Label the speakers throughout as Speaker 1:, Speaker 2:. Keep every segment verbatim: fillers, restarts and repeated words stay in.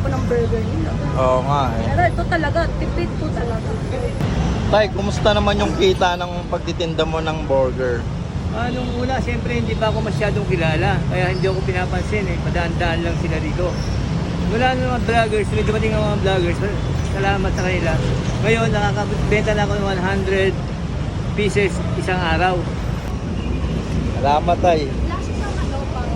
Speaker 1: po ng burger nila.
Speaker 2: Oo nga eh.
Speaker 1: Pero ito talaga, tipid po talaga.
Speaker 2: Tay, kumusta naman yung kita ng pagtitinda mo ng burger?
Speaker 3: Ah, nung una, siyempre hindi pa ako masyadong kilala. Kaya hindi ako pinapansin eh. Padaan-daan lang sila dito. Wala na mga vloggers. May dumating ang mga vloggers. Salamat sa kanila. Ngayon, nakakabenta na ako ng one hundred pieces isang araw.
Speaker 2: Salamat tay.
Speaker 1: Lasa sa ano pang...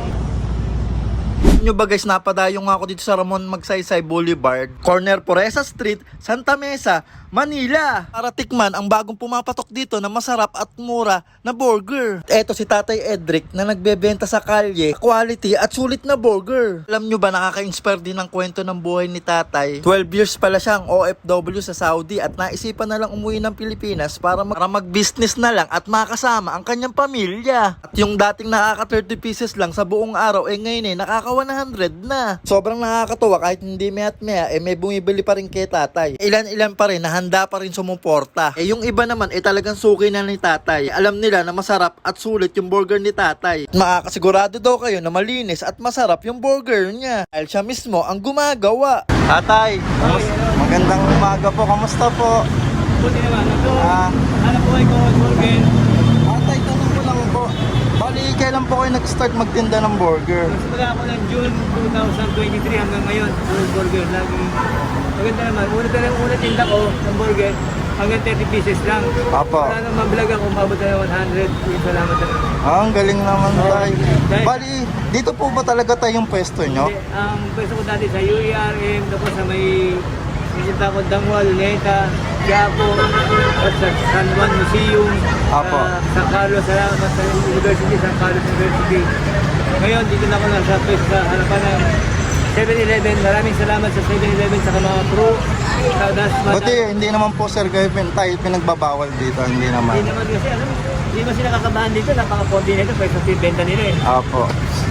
Speaker 2: Nyo ba guys, napadayo nga ako dito sa Ramon Magsaysay Boulevard, corner Poresa Street, Santa Mesa, Manila, para tikman ang bagong pumapatok dito na masarap at mura na burger. Eto si Tatay Edric na nagbebenta sa kalye, quality at sulit na burger. Alam nyo ba, nakaka-inspire din ang kwento ng buhay ni Tatay. twelve years pala siyang O F W sa Saudi at naisipan na lang umuwi ng Pilipinas para, mag- para mag-business na lang at makasama ang kanyang pamilya. At yung dating nakaka thirty pieces lang sa buong araw, eh ngayon eh nakaka one hundred na. Sobrang nakakatuwa kahit hindi may at maya, eh may bumibili pa rin kay Tatay. Ilan-ilan pa rin na handa pa rin sumuporta. Eh yung iba naman eh talagang suki na ni Tatay. Alam nila na masarap at sulit yung burger ni Tatay. Makakasigurado daw kayo na malinis at masarap yung burger niya dahil siya mismo ang gumagawa. Tatay, magandang umaga po. Kamusta po?
Speaker 3: Buti naman. Ito,
Speaker 2: Ah,
Speaker 3: hanap buhay ko, burger.
Speaker 2: Tatay, tanong ko lang po. Bali, kailan po kayo nag-start magtinda ng burger?
Speaker 3: Nagsimula ako ng June twenty twenty-three hanggang ngayon. Puro burger lagi. Maganda naman. Una talagang una tinda ko ng burger hanggang thirty pieces lang.
Speaker 2: Apo.
Speaker 3: Wala nang mabilag ako, umabot na one hundred. Salamat talaga.
Speaker 2: Ah, ang galing naman
Speaker 3: Oo.
Speaker 2: tay.
Speaker 3: Dahil-
Speaker 2: Bali, dito po ba talaga tayo yung pwesto nyo?
Speaker 3: Hindi, ang pwesto ko dati sa U E R M, tapos sa may Minta ko Dangwa, Luneta, Quiapo, at sa San Juan Museum,
Speaker 2: Apo.
Speaker 3: sa San Carlos, salamat sa University, San Carlos University. Ngayon, dito na ako nasa pwesto sa harapan ng seven eleven. Maraming salamat sa seven eleven sa mga crew. Sa Dasma.
Speaker 2: Buti, hindi naman po sir kayo pin- tayo pinagbabawal dito, hindi naman.
Speaker 3: Hindi naman kasi, ano, hindi mo sila kakabahan dito, napaka-konti nito, pwede sa benta nila eh.
Speaker 2: Apo.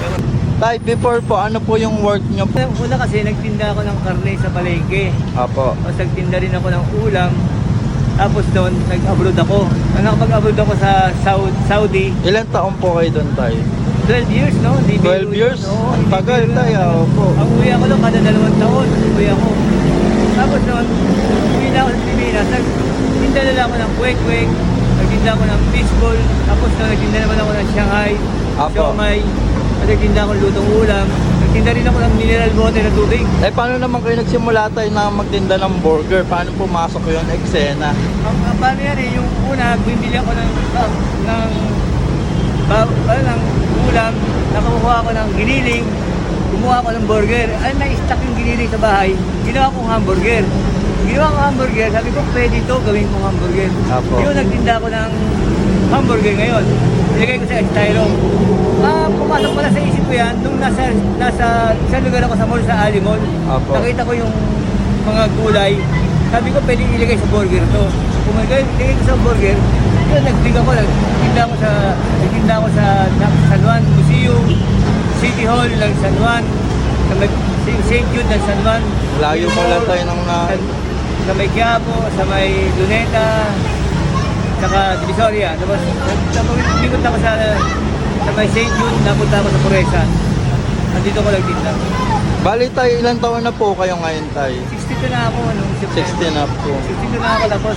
Speaker 2: Tay, before po, ano po yung work nyo po?
Speaker 3: Una kasi, nagtinda ako ng karne sa palengke.
Speaker 2: Apo.
Speaker 3: Tapos nagtinda rin ako ng ulam. Tapos doon, nag-abroad ako. Nang nakapag-abroad ako sa Saud- Saudi,
Speaker 2: Ilan taon po kayo doon tay?
Speaker 3: twelve years, no? Hindi
Speaker 2: twelve
Speaker 3: biro yun.
Speaker 2: years?
Speaker 3: Oo,
Speaker 2: Ang
Speaker 3: hindi
Speaker 2: tagal
Speaker 3: biro yun.
Speaker 2: tay, ah, opo.
Speaker 3: Ang uwi ako doon, kada dalawang taon, uwi ako. Tapos noon, uwi na ako sa Pilipinas. Nagtinda na lang ako ng kwek-kwek, nagtinda ako ng fishball, tapos na nagtinda naman ako ng Shanghai,
Speaker 2: Apo.
Speaker 3: siomai, at nagtinda ako ng lutong ulam. Nagtinda rin ako ng mineral water na tubig.
Speaker 2: Eh, paano naman kayo nagsimula tayo na magtinda ng burger? Paano pumasok yun, eksena?
Speaker 3: Ang, ang paano yan eh, yung una, bumili ako ng, ng, ng, ba, ano, ng ulam, nakakuha ako ng giniling, kumuha ako ng burger. Ay, na-stack yung giniling sa bahay, ginawa kong hamburger. Ginawa ko hamburger, sabi ko, pwede ito, gawin kong hamburger.
Speaker 2: Apo.
Speaker 3: Yun, nagtinda ako ng hamburger ngayon. Ilagay ko sa styro. Ah, pumasok pala sa isip ko yan, nung nasa, nasa isang lugar ako sa mall, sa Ali Mall.
Speaker 2: Apo.
Speaker 3: Nakita ko yung mga gulay. Sabi ko, pwede ilagay sa burger to. Kung ilagay ilagay ko sa burger, yun, nagtinda ko, nagtinda ko sa, nagtinda ko sa San Juan Museum, City Hall ng San Juan, sa may Saint Jude ng San Juan.
Speaker 2: Layo mo lang tayo ng na...
Speaker 3: Sa, sa may Quiapo, sa may Luneta, saka Divisoria. Tapos, nagtikot ako sa, sa may Saint Jude, napunta ako sa Poresa. Andito ko nagtinda.
Speaker 2: Bali tayo, ilang taon na po kayo ngayon tayo?
Speaker 3: sixty-two na ako, ano, September.
Speaker 2: sixteen up po.
Speaker 3: sixty-two na ako, tapos,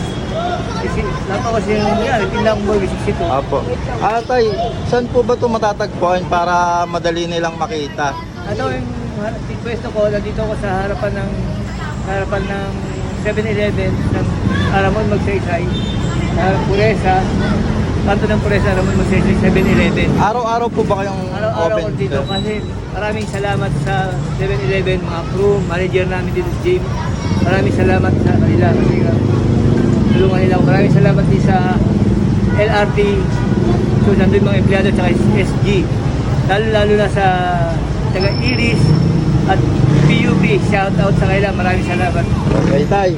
Speaker 3: tapos kasi yung yan, nagtinda akong burger, sixty-two.
Speaker 2: Apo. Ah, tay, saan po ba ito matatagpuan para madali nilang makita?
Speaker 3: Ano yung pwesto ko, nandito ako sa harapan ng harapan ng seven eleven ng Aramon Magsaysay, sa Puresa, kanto ng Puresa, Aramon Magsaysay, seven eleven.
Speaker 2: Araw-araw po ba kayong
Speaker 3: Araw-araw
Speaker 2: open
Speaker 3: ko dito
Speaker 2: sir?
Speaker 3: kasi maraming salamat sa seven eleven, mga crew, manager namin dito sa gym. Maraming salamat sa kanila kasi uh, tulungan nila ako. Maraming salamat din sa L R T, so nandun mga empleyado at S G. Lalo-lalo na sa taga Iris at P U B, shout out sa kanila. Maraming salamat.
Speaker 2: Okay, tay.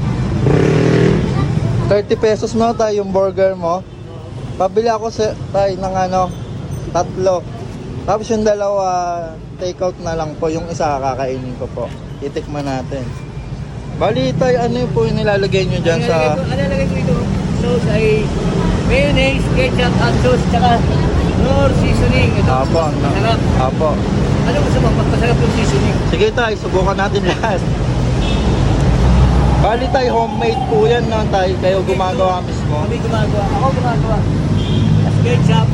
Speaker 2: thirty pesos mo tay yung burger mo. Pabili ako sa tay ng ano, tatlo. Tapos yung dalawa, take out na lang po. Yung isa kakainin ko po. Itikman natin. Bali tay, ano yung po yung nilalagay nyo dyan sa...
Speaker 3: Ano nalagay ko ito? Sauce ay mayonnaise, ketchup, hot sauce, tsaka nor seasoning. Ito,
Speaker 2: Apo, ano?
Speaker 3: masarap.
Speaker 2: Apo.
Speaker 3: Ano gusto mo? Magpasarap yung seasoning.
Speaker 2: Sige tay, subukan natin lahat. Bali tayo, homemade po yan na tayo. Kayo gumagawa mismo.
Speaker 3: Kami gumagawa. Ako gumagawa. Tapos ketchup.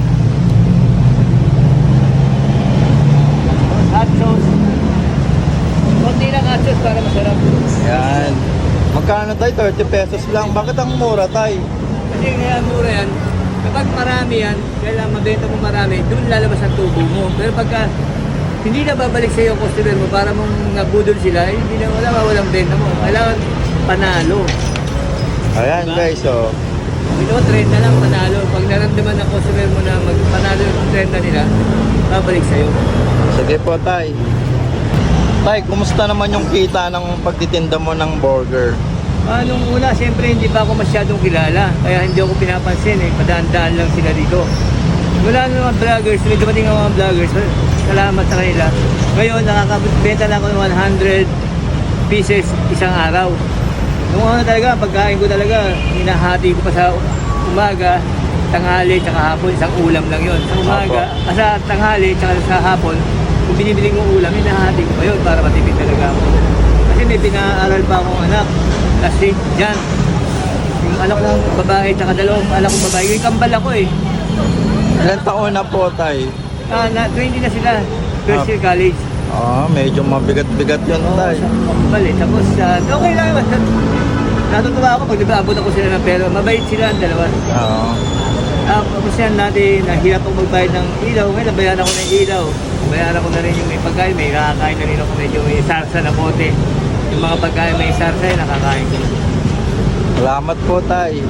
Speaker 3: Hot sauce. Konti lang hot sauce para masarap.
Speaker 2: Yan. Magkano tayo? thirty pesos lang. Bakit ang mura tayo?
Speaker 3: Kasi kaya mura yan. Kapag marami yan, kailangan mabenta mo marami, doon lalabas ang tubo mo. Pero pagka hindi na babalik sa iyo ang customer mo para mong nabudol sila, eh, hindi na wala, walang benta mo. Kailangan panalo.
Speaker 2: Ayan
Speaker 3: Diba?
Speaker 2: guys, so.
Speaker 3: Ito, trend na lang panalo. Pag naramdaman ng customer mo na magpanalo yung trend na nila, babalik sa iyo.
Speaker 2: Sige po tay. Tay, kumusta naman yung kita ng pagtitinda mo ng burger?
Speaker 3: Ah, nung una, siyempre hindi pa ako masyadong kilala. Kaya hindi ako pinapansin eh. Padaan-daan lang sila dito. Wala na mga vloggers. May dumating ang mga vloggers. Salamat sa kanila. Ngayon, nakakabenta na ako ng one hundred pieces isang araw. Nung una talaga, pagkain ko talaga, hinahati ko pa sa umaga, tanghali, tsaka hapon. Isang ulam lang yon. Sa umaga, ah, sa tanghali, tsaka sa hapon, kung binibili kong ulam, hinahati ko pa yun para matipid talaga ako. Kasi may pinaaral pa akong anak. Kasi dyan, yung anak kong babae, tsaka dalawang anak kong babae, yung kambal ako eh.
Speaker 2: Ilan taon na po tay?
Speaker 3: Ah, na, twenty na sila, first year college.
Speaker 2: Ah, medyo mabigat-bigat yun tay.
Speaker 3: Sa kambal eh. Tapos, ah, okay lang naman. Natutuwa ako pag nag-aabot ako sila ng pera. Mabait sila ang dalawa.
Speaker 2: Oo.
Speaker 3: Ah, tapos yan natin, nahirap ako magbayad ng ilaw. Ngayon, nabayaran ako ng ilaw. Bayaran ko na rin yung may pagkain. May nakakain na rin ako medyo may sarsa na bote. Yung mga pagkain may sarsa, eh, nakakain ko.
Speaker 2: Salamat po tay.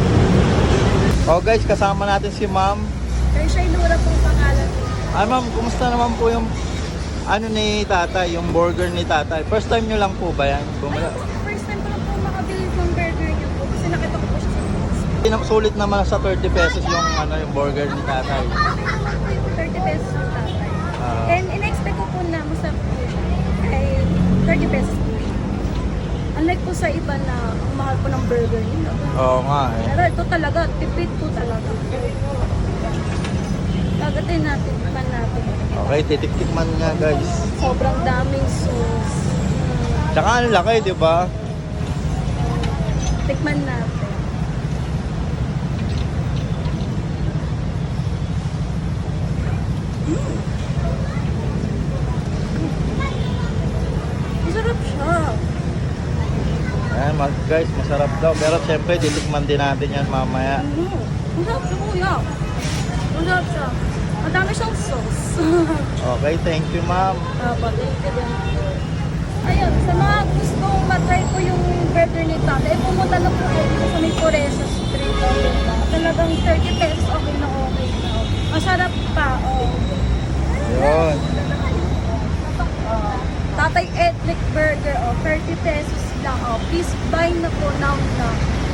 Speaker 2: Oh guys, kasama natin si ma'am.
Speaker 1: Kaya siya inura pong pangalan.
Speaker 2: Ay ma'am, kumusta naman po yung ano ni tatay, yung burger ni tatay? First time nyo lang po ba yan? Bumala.
Speaker 1: First time ko lang po makabili ng burger niyo po kasi nakita ko po siya sa post.
Speaker 2: Sulit naman sa thirty pesos yung ano yung burger ni tatay.
Speaker 1: thirty pesos yung tatay.
Speaker 2: Ah.
Speaker 1: And in-expect ko po na masarap po siya. Ay thirty pesos po siya. Unlike po sa iba na ang mahal po ng burger nila.
Speaker 2: Oo nga eh.
Speaker 1: Pero ito talaga, tipid po talaga. Kagatin natin, tikman natin.
Speaker 2: Okay, titiktikman nga guys.
Speaker 1: Sobrang daming sauce. Mm,
Speaker 2: Tsaka ang laki, di ba?
Speaker 1: tikman natin. Mm. Masarap siya.
Speaker 2: Ayan mag- guys, masarap daw. Pero syempre, titikman din natin yan mamaya.
Speaker 1: Ano? Masarap siya kuya. Masarap siya. Madami siyang sauce.
Speaker 2: Okay, thank you ma'am.
Speaker 1: Tama, thank you din. Ayun, sa mga gustong matry ko yung burger ni Tata, eh pumunta lang po kayo dito sa may Coreza Street. Talagang thirty pesos, okay na okay na. Masarap pa, oh.
Speaker 2: Yun.
Speaker 1: Oh. Tatay Ethnic Burger, oh, thirty pesos lang, oh. Please buy na po now na.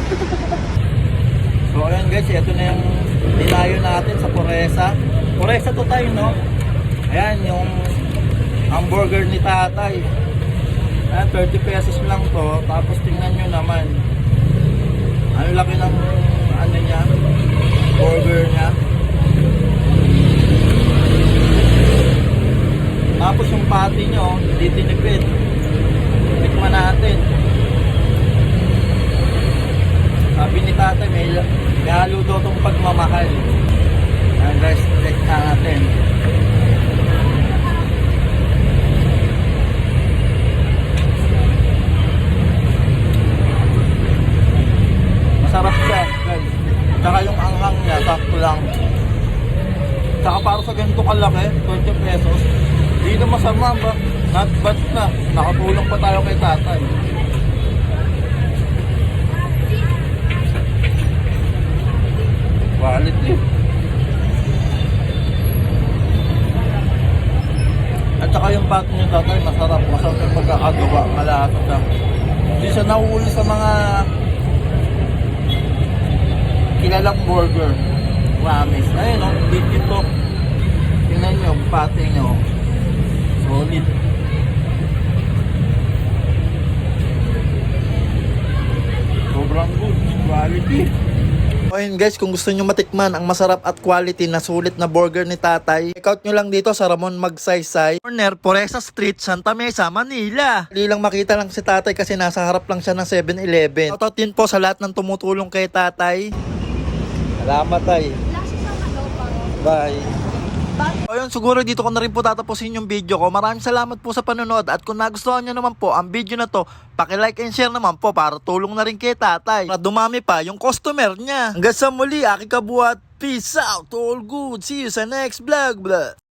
Speaker 2: So ayan guys, ito na yung dinayo natin sa Coreza. Coreza to tayo, no? Ayan, yung hamburger ni tatay. Ayan, thirty pesos lang to. Tapos tingnan nyo naman. Ang laki ng ano niya, burger niya. Tapos yung patty nyo, hindi tinipid. Tikman natin. Sabi ni tatay, may, may halo daw itong pagmamahal. Ayan guys, check natin. Masarap siya guys. Tsaka yung anghang niya, sakto lang. Tsaka para sa ganito kalaki, twenty pesos. Hindi na masama ba? Not bad na. Nakatulong pa tayo kay tatay. Quality. At saka yung pat niyo tatay, masarap. Masarap yung pagkakagawa. Malasa siya. Hindi siya nauuli sa mga kilalang burger. Promise. Ayun o, oh, legit to. Tingnan nyo, pati nyo. Solid. Sobrang good. Quality. O ayun guys, kung gusto nyo matikman ang masarap at quality na sulit na burger ni tatay, check out nyo lang dito sa Ramon Magsaysay, corner Poresa Street, Santa Mesa, Manila. Dali lang makita lang si tatay kasi nasa harap lang siya ng seven eleven. Shoutout din po sa lahat ng tumutulong kay tatay. Salamat tay.
Speaker 1: Lasa sa ano pa.
Speaker 2: Bye. So yun, siguro dito ko na rin po tatapusin yung video ko. Maraming salamat po sa panonood at kung nagustuhan nyo naman po ang video na to, paki-like and share naman po para tulong na rin kay tatay para dumami pa yung customer niya. Hanggang sa muli, aking kabuhat. Peace out, all good. See you sa next vlog. Blah.